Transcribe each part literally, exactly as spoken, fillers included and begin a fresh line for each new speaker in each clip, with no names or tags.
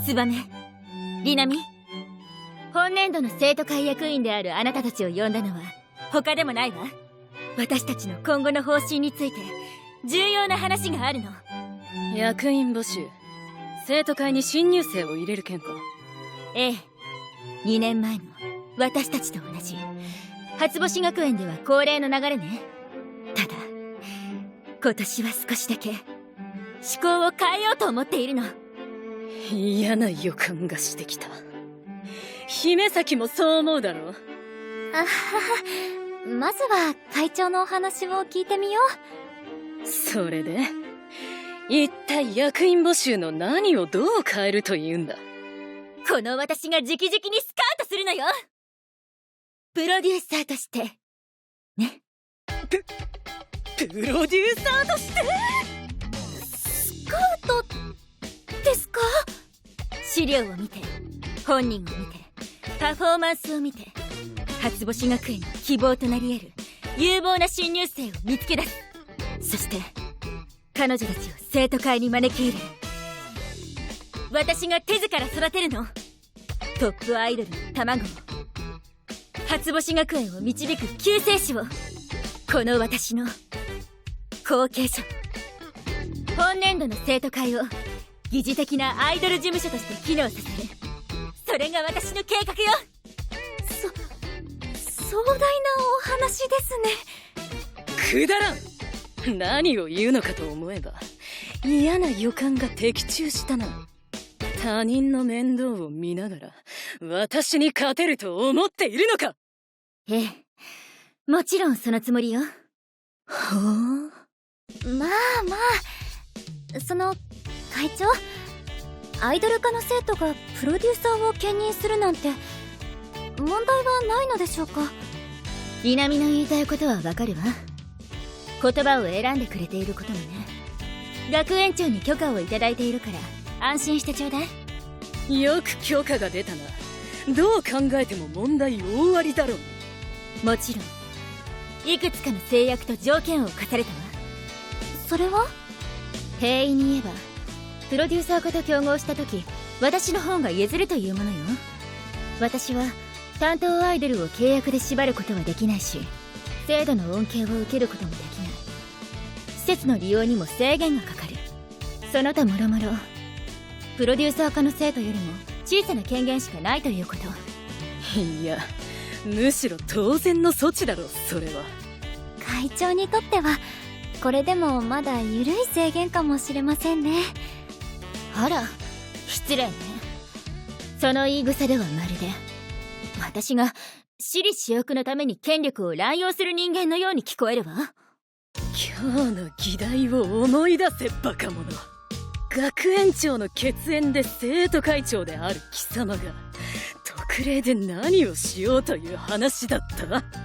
ツバメ、リナミ、本年度の生徒会役員であるあなたたちを呼んだのは他でもないわ。私たちの今後の方針について重要な話があるの。
役員募集、生徒会に新入生を入れる件か。
ええ、にねんまえの私たちと同じ初星学園では恒例の流れね。ただ今年は少しだけ思考を変えようと思っているの。
嫌な予感がしてきた。姫崎もそう思うだろう。
あはは、まずは会長のお話を聞いてみよ
う。それで一体役員募集の何をどう変えるというんだ。
この私が直々にスカウトするのよ。プロデューサーとしてね。
ププロデューサーとして
スカウトですか？
資料を見て、本人を見て、パフォーマンスを見て、初星学園の希望となり得る有望な新入生を見つけ出す。そして彼女たちを生徒会に招き入れる。私が手ずから育てるの。トップアイドルの卵を、初星学園を導く救世主を、この私の後継者。本年度の生徒会を疑似的なアイドル事務所として機能させる。それが私の計画よ。
そ壮大なお話です
ね。くだらん。何を言うのかと思えば嫌な予感が的中したな。他人の面倒を見ながら私に勝てると思っているのか。
ええ、もちろんそのつもりよ。
はあ、
まあまあ、その会長、アイドル科の生徒がプロデューサーを兼任するなんて問題はないのでしょうか？
リナミの言いたいことはわかるわ。言葉を選んでくれていることもね。学園長に許可をいただいているから安心してちょうだ
い。よく許可が出たな。どう考えても問題大ありだろう。
もちろんいくつかの制約と条件を課されたわ。
それは？
平易に言えばプロデューサー化と競合した時、私の方が譲るというものよ。私は担当アイドルを契約で縛ることはできないし、制度の恩恵を受けることもできない。施設の利用にも制限がかかる。その他もろもろプロデューサー化の生徒よりも小さな権限しかないということ。
いや、むしろ当然の措置だろう。それは
会長にとってはこれでもまだ緩い制限かもしれませんね。
あら、失礼ね。その言い草ではまるで私が私利私欲のために権力を乱用する人間のように聞こえるわ。
今日の議題を思い出せ、バカ者。学園長の血縁で生徒会長である貴様が特例で何をしようという話だった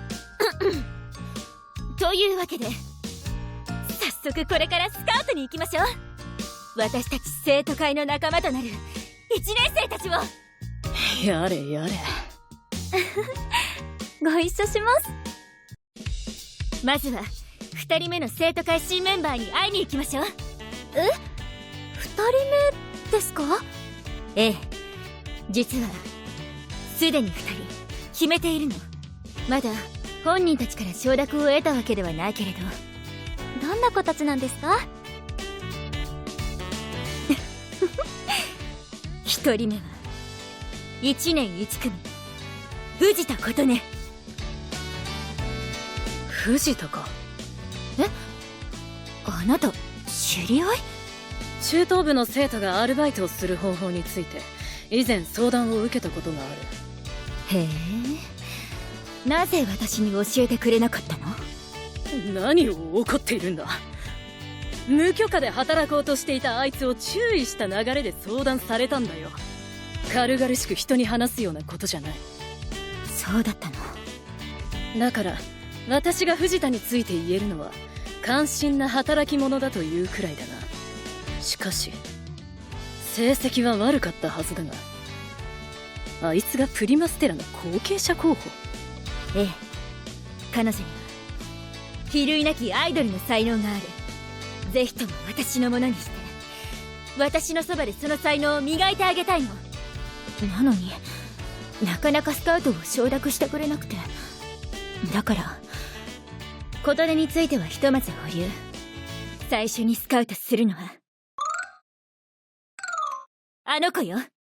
というわけで早速これからスカウトに行きましょう。私たち生徒会の仲間となるいちねん生たちを。
やれやれ
ご一緒します。
まずはふたりめの生徒会新メンバーに会いに行きましょう。
え？ふたりめですか？
ええ、実はすでにふたり決めているの。まだ本人たちから承諾を得たわけではないけれど。
どんな子たちなんですか？
ひとりめはいちねんいち組藤田琴音。
藤田か。
え、あなた知り合い？
中等部の生徒がアルバイトをする方法について以前相談を受けたことがあ
る。へえ、なぜ私に教えてくれなかったの？
何を怒っているんだ。無許可で働こうとしていたあいつを注意した流れで相談されたんだよ。軽々しく人に話すようなことじゃない。
そうだったの。
だから私が藤田について言えるのは関心な働き者だというくらいだな。しかし成績は悪かったはずだが、あいつがプリマステラの後継者候補。
ええ、彼女には比類なきアイドルの才能がある。ぜひとも私のものにして私のそばでその才能を磨いてあげたいの。なのになかなかスカウトを承諾してくれなくて、だから琴音についてはひとまず保留。最初にスカウトするのはあの子よ。
あ、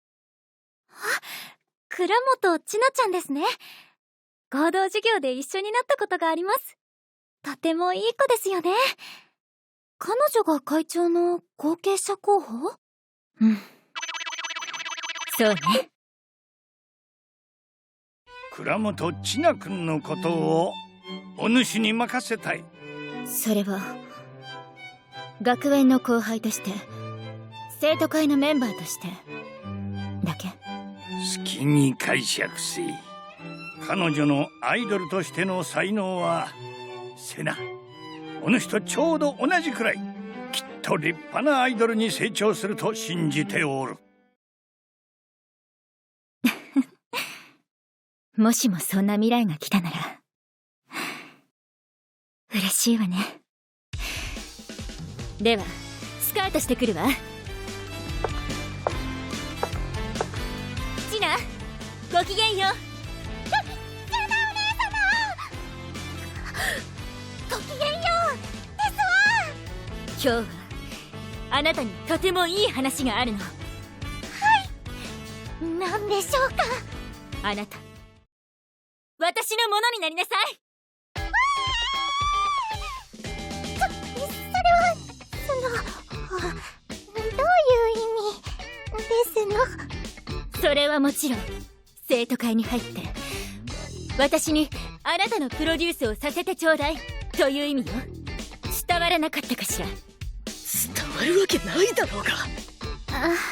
倉本千奈ちゃんですね。合同授業で一緒になったことがあります。とてもいい子ですよね。彼女が会長の後継者候補？
うん、そうね。
倉本千奈君のことをお主に任せたい。
それは学園の後輩として、生徒会のメンバーとしてだけ。
好きに解釈せい。彼女のアイドルとしての才能はせな、お主とちょうど同じくらいきっと立派なアイドルに成長すると信じておる。
もしもそんな未来が来たなら嬉しいわね。ではスカウトしてくるわ。ちな、ごきげんよう。
ごきげんようですわ。
今日はあなたにとてもいい話があるの。はい、
何でしょうか。
あなた私のものになりなさい。
そ、それはそのどういう意味ですの？
それはもちろん生徒会に入って私にあなたのプロデュースをさせてちょうだいという意味よ。伝わらなかったかしら。
伝わるわけないだろうが。
あはは。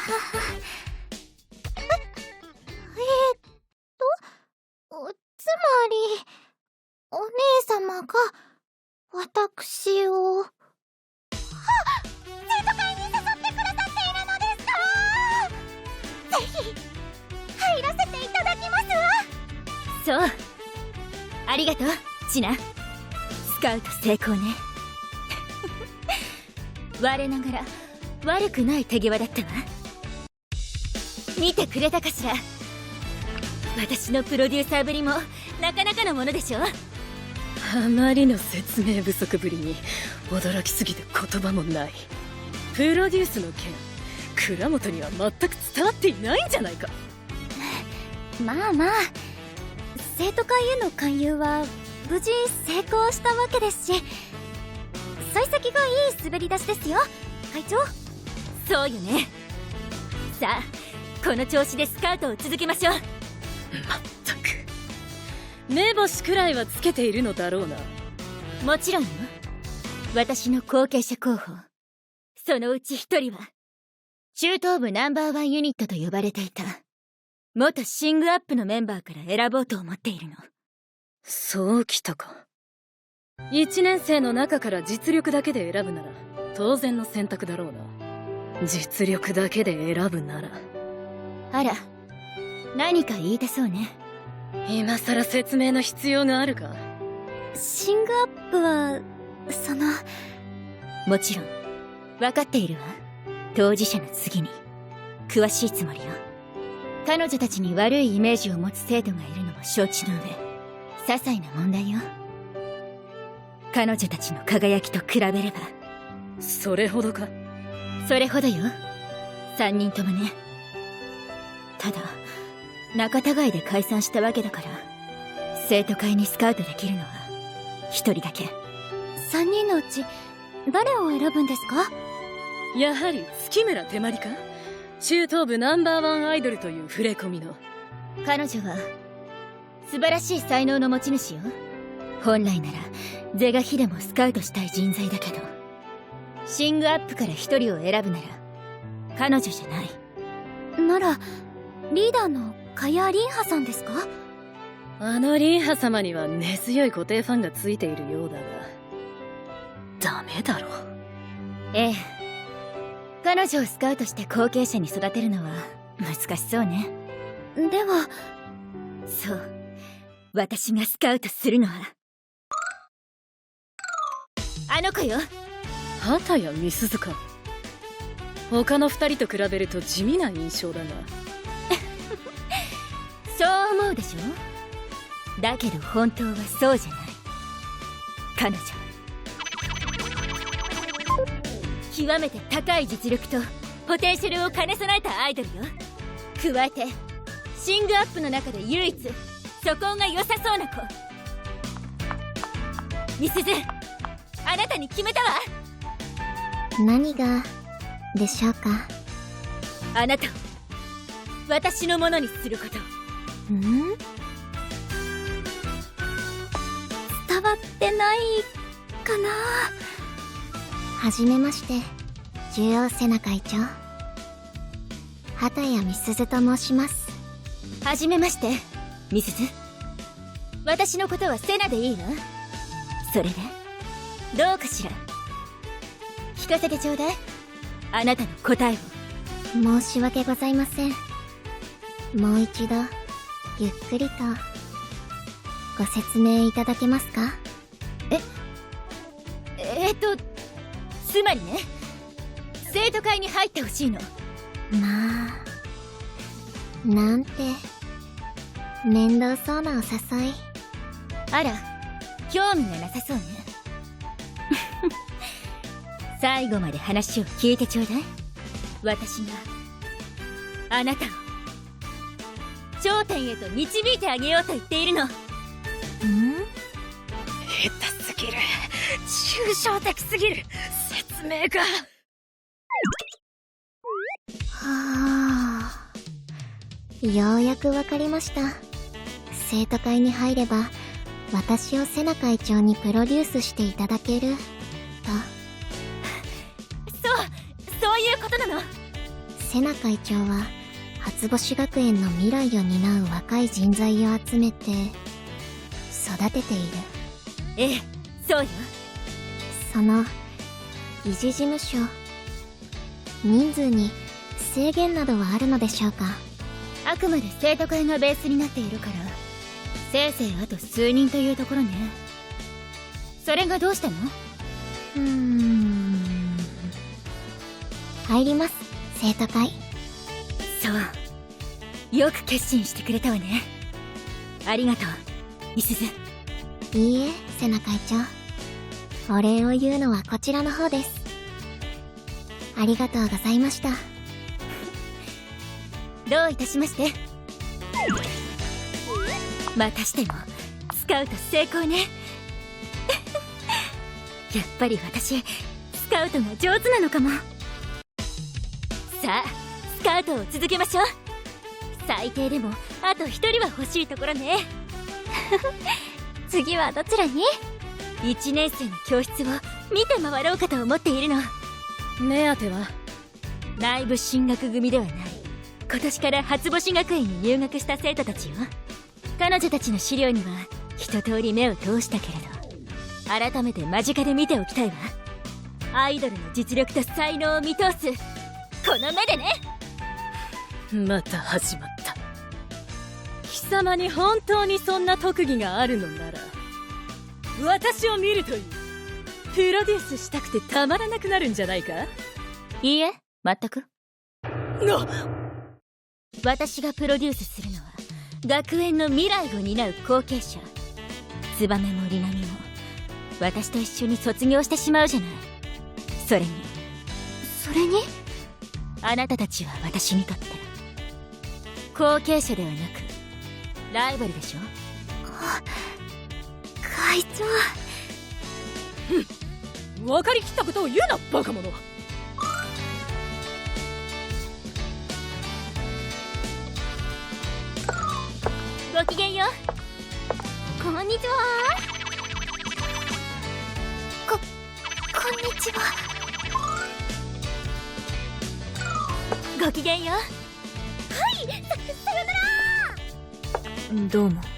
ええー、っとつまりお姉様が私をはっ生徒会に誘ってくださっているのですか？ぜひ入らせていただきます
そう、
わ。
ありがとうチナ。スカウト成功ね。我ながら悪くない手際だったわ。見てくれたかしら。私のプロデューサーぶりもなかなかのものでしょ。
あまりの説明不足ぶりに驚きすぎて言葉もない。プロデュースの件、倉本には全く伝わっていないんじゃないか。
まあまあ、生徒会への勧誘は無事成功したわけですし、幸先がいい滑り出しですよ会長。
そうよね。さあこの調子でスカウトを続けましょう。
まったく目星くらいはつけているのだろうな。
もちろんよ。私の後継者候補、そのうち一人は中東部ナンバーワンユニットと呼ばれていた元シングアップのメンバーから選ぼうと思っているの。
そうきたか。一年生の中から実力だけで選ぶなら当然の選択だろうな。実力だけで選ぶなら。
あら、何か言いたそうね。
今さら説明の必要があるか。
シングアップはその
もちろん分かっているわ。当事者の次に詳しいつもりよ。彼女たちに悪いイメージを持つ生徒がいるのも承知の上、些細な問題よ。彼女たちの輝きと比べれば。
それほどか。
それほどよ。三人ともね。ただ仲違いで解散したわけだから、生徒会にスカウトできるのは一人だけ。
三人のうち誰を選ぶんですか？
やはり月村手まりか。中東部ナンバーワンアイドルという触れ込みの。
彼女は素晴らしい才能の持ち主よ。本来なら是が非でもスカウトしたい人材だけど、シングアップから一人を選ぶなら彼女じゃない。
ならリーダーのカヤ・リンハさんですか？
あのリンハ様には根強い固定ファンがついているようだが、ダメだろう。
ええ、彼女をスカウトして後継者に育てるのは難しそうね。
では
そう、私がスカウトするのはあの子よ。
畑谷美鈴か。 他の二人と比べると地味な印象だが。
そう思うでしょ。だけど本当はそうじゃない。彼女極めて高い実力とポテンシャルを兼ね備えたアイドルよ。加えてシングアップの中で唯一素行が良さそうな子。みすず、あなたに決めたわ。
何がでしょうか。
あなたを私のものにすること。
ん？伝わってないかな。はじめまして、獣王セナ会長、畑谷美鈴と申します。
はじめまして、みすず。私のことはセナでいいわ。それでどうかしら。聞かせてちょうだい、あなたの答えを。
申し訳ございません。もう一度ゆっくりとご説明いただけますか。
ええー、っとつまりね、生徒会に入ってほしいの。
まあ、なんて面倒そうなお誘い。
あら、興味がなさそうね。最後まで話を聞いてちょうだい。私があなたを頂点へと導いてあげようと言っているの。ん？
下手すぎる、抽象的すぎる説明が。
はあ、ようやくわかりました。生徒会に入れば私をセナ会長にプロデュースしていただけると。
そうそういうことなの。
セナ会長は初星学園の未来を担う若い人材を集めて育てている。
ええ、そうよ。
その理事事務所、人数に制限などはあるのでしょうか。
あくまで生徒会がベースになっているから、せいぜいあと数人というところね。それがどうしたの？
うーん、入ります、生徒会。
そう、よく決心してくれたわね。ありがとう、みすず。
いいえ、セナ会長、お礼を言うのはこちらの方です。ありがとうございました。
どういたしまして。またしてもスカウト成功ね。やっぱり私スカウトが上手なのかも。さあスカウトを続けましょう。最低でもあと一人は欲しいところね。
次はどちらに？
一年生の教室を見て回ろうかと思っているの。
目当ては
内部進学組ではない、今年から初星学園に入学した生徒たちよ。彼女たちの資料には一通り目を通したけれど、改めて間近で見ておきたいわ。アイドルの実力と才能を見通すこの目でね。
また始まった。貴様に本当にそんな特技があるのなら、私を見るといい。プロデュースしたくてたまらなくなるんじゃないか。
いいえ、全く。
な
私がプロデュースするのは学園の未来を担う後継者。ツバメもリナミも私と一緒に卒業してしまうじゃない。それに
それに
あなたたちは私にとって後継者ではなくライバルでしょ。
会長。
分かりきったことを言うな、バカ者。
ごきげんよう。
こんにちは。こ、こんにちは。
ごきげんよう。
はい、さ、さよなら。
どうも。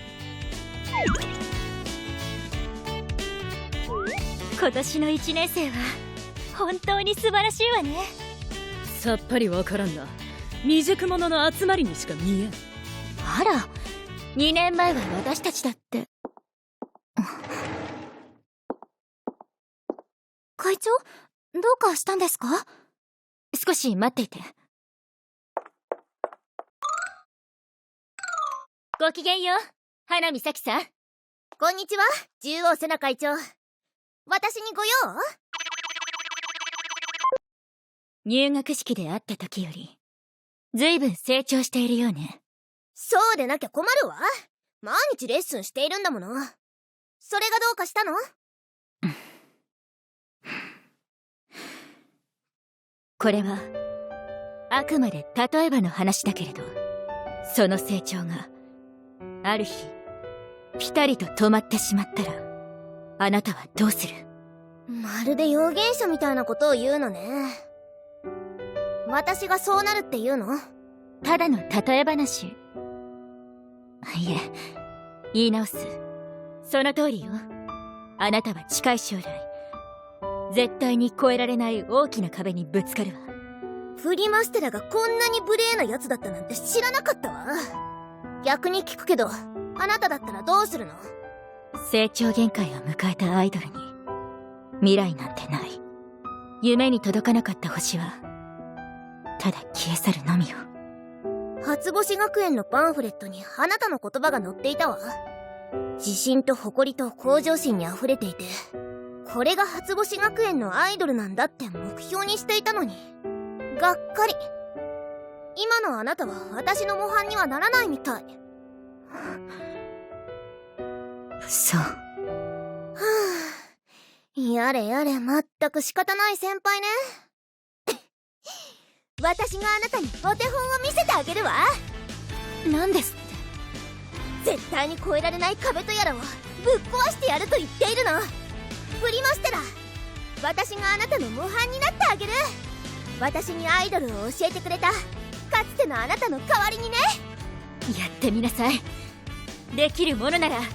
今年の一年生は本当に素晴らしいわね。
さっぱりわからんな。未熟者の集まりにしか見えん。
あら、にねんまえは私たちだって。
会長、どうかしたんですか？
少し待っていて。ごきげんよう、花見咲さん。
こんにちは、獣王セナ会長。私にご用？
入学式で会った時よりずいぶん成長しているようね。
そうでなきゃ困るわ。毎日レッスンしているんだもの。それがどうかしたの？
これはあくまで例えばの話だけれど、その成長がある日ピタリと止まってしまったら、あなたはどうする？
まるで予言者みたいなことを言うのね。私がそうなるって言うの？
ただの例え話。いえ、言い直す。その通りよ。あなたは近い将来絶対に越えられない大きな壁にぶつかるわ。
プリマステラがこんなに無礼なやつだったなんて知らなかったわ。逆に聞くけど、あなただったらどうするの？
成長限界を迎えたアイドルに未来なんてない。夢に届かなかった星はただ消え去るのみよ。
初星学園のパンフレットにあなたの言葉が載っていたわ。自信と誇りと向上心に溢れていて、これが初星学園のアイドルなんだって目標にしていたのに、がっかり。今のあなたは私の模範にはならないみたい。
そう。は
ぁ、やれやれ、まったく仕方ない先輩ね。私があなたにお手本を見せてあげるわ。
何ですって？
絶対に越えられない壁とやらをぶっ壊してやると言っているの。プリマステラ、私があなたの模範になってあげる。私にアイドルを教えてくれたかつてのあなたの代わりにね。
やってみなさい。できるものなら。なん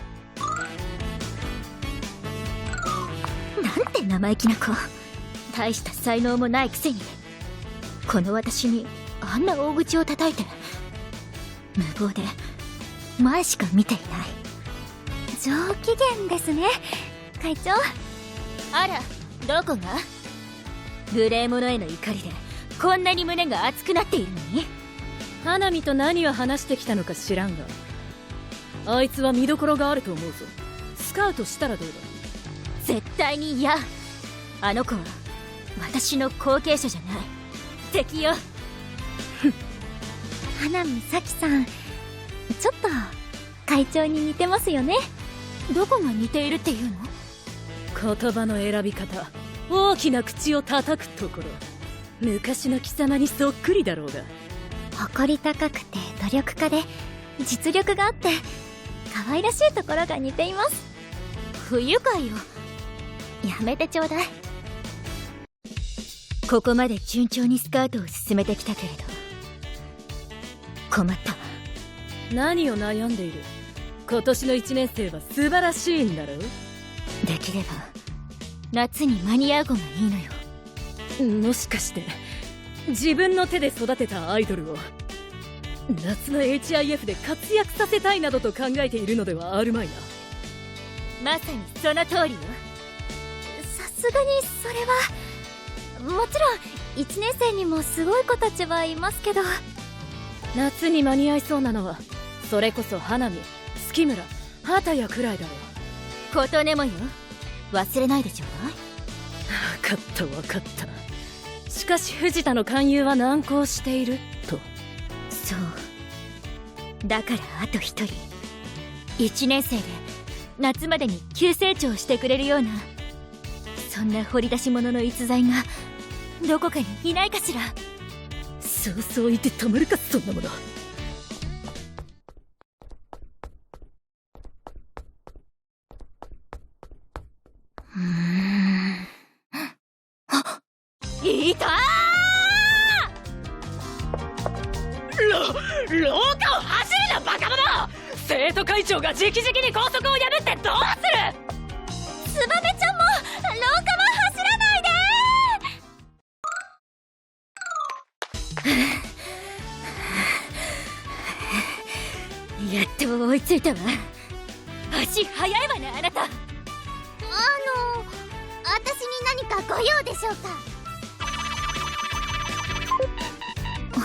て生意気な子。大した才能もないくせにこの私にあんな大口を叩いて、無謀で前しか見ていない。
上機嫌ですね、会長。
あら、どこが？無礼者への怒りでこんなに胸が熱くなっているのに。
花見と何を話してきたのか知らんが、あいつは見どころがあると思うぞ。スカウトしたらどうだ？
絶対に嫌。あの子は私の後継者じゃない、敵よ。
花見咲さん、ちょっと会長に似てますよね。
どこが似ているっていうの？
言葉の選び方、大きな口を叩くところ、昔の貴様にそっくりだろうが。
誇り高くて努力家で実力があって可愛らしいところが似ています。
不愉快よ。
やめてちょうだい。
ここまで順調にスカウトを進めてきたけれど困ったわ。
何を悩んでいる？今年のいちねん生は素晴らしいんだろう？
できれば夏に間に合う子がいいのよ。
もしかして自分の手で育てたアイドルを夏の エイチアイエフ で活躍させたいなどと考えているのではあるまいな。
まさにその通りよ。
さすがにそれはもちろんいちねん生にもすごい子たちはいますけど、
夏に間に合いそうなのはそれこそ花見、月村、畑谷くらいだろう。
琴音もよ、忘れないでちょうだい。
分かった分かった。しかし藤田の勧誘は難航していると。
そうだからあと一人、いちねん生で夏までに急成長してくれるような、そんな掘り出し物の逸材がどこかにいないかしら。
そうそう言ってたまるか、そんなもの。
うーんあっ、いた
ー！ろ廊下を走るなバカ者！生徒会長が直々に校則を破ってどうする！
ツバメちゃんも廊下は走らない
で。やっと追いついたわ。足速いわね、あなた。
あの私に何かご用でしょうか？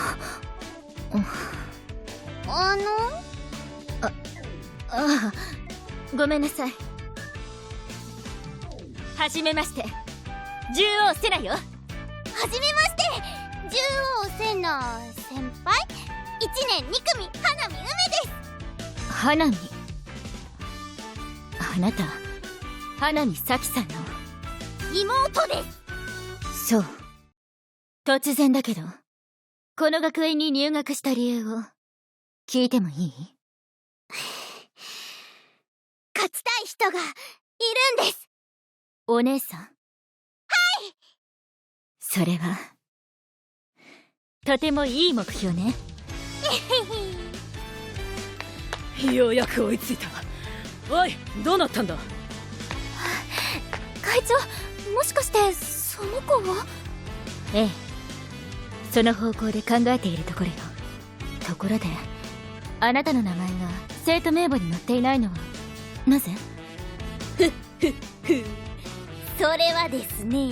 あの
ああごめんなさい。はじめまして、獣王セナよ。
はじめまして、獣王セナ先輩。いちねんに組花見梅です。
花見。あなた花見咲さんの
妹です。
そう。突然だけど、この学園に入学した理由を聞いてもいい？
勝ちたい人がいるんです。
お姉さん？はい。それはとてもいい目標ね。
ようやく追いついた。おい、どうなったんだ？
会長、もしかしてその子は？
ええ、その方向で考えているところよ。ところで、あなたの名前が生徒名簿に載っていないのはなぜ？
ふっふっふ。それはですね、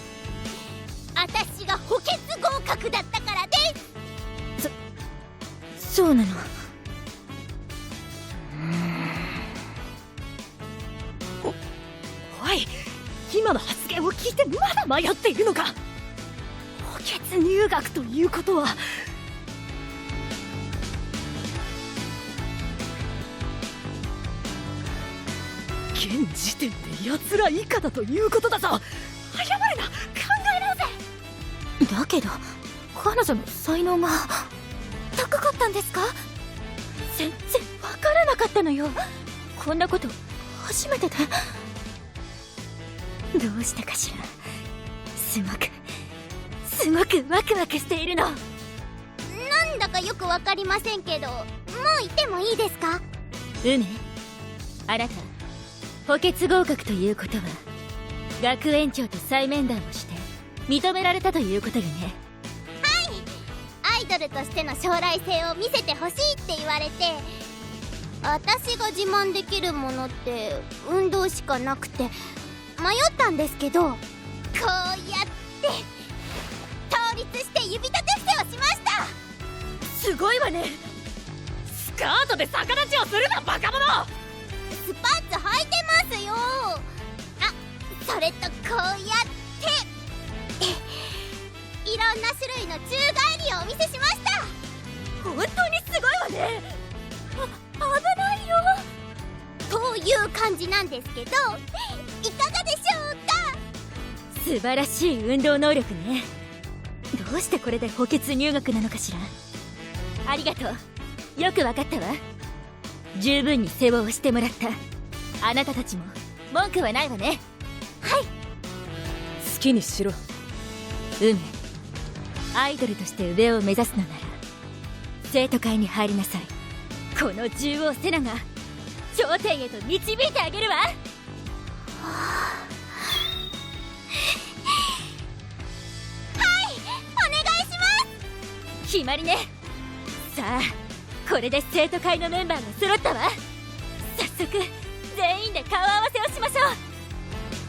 私が補欠合格だったからです。
そ、そうなの？
おい、今の発言を聞いてまだ迷っているのか？補欠入学ということは、現時点で奴ら以下だということだぞ。謝れな、考え直せ。
だけど彼女の才能が
高かったんですか？
全然わからなかったのよ。こんなこと初めてで。どうしてかしら。すごくすごくワクワクしているの。
なんだかよくわかりませんけど、もう行ってもいいですか？
梅、あなた補欠合格ということは学園長と再面談をして認められたということよね。
はい、アイドルとしての将来性を見せてほしいって言われて、私が自慢できるものって運動しかなくて迷ったんですけど、こうやって倒立して指立て伏せをしました。
すごいわね。スカートで逆立ちをするな、バカ者。
スパッツ履いてますよ。あ、それとこうやっていろんな種類の宙返りをお見せしました。
本当にすごいわね。
あ、危ないよという感じなんですけど、いかがでしょうか？
素晴らしい運動能力ね。どうしてこれで補欠入学なのかしら。ありがとう、よくわかったわ。十分に世話をしてもらった。あなたたちも文句はないわね。
はい。
好きにしろ。
梅、アイドルとして上を目指すのなら生徒会に入りなさい。この獣王セナが頂点へと導いてあげるわ。
はい、お願いします。
決まりね。さあ、これで生徒会のメンバーが揃ったわ。早速全員で顔合わせをしましょう。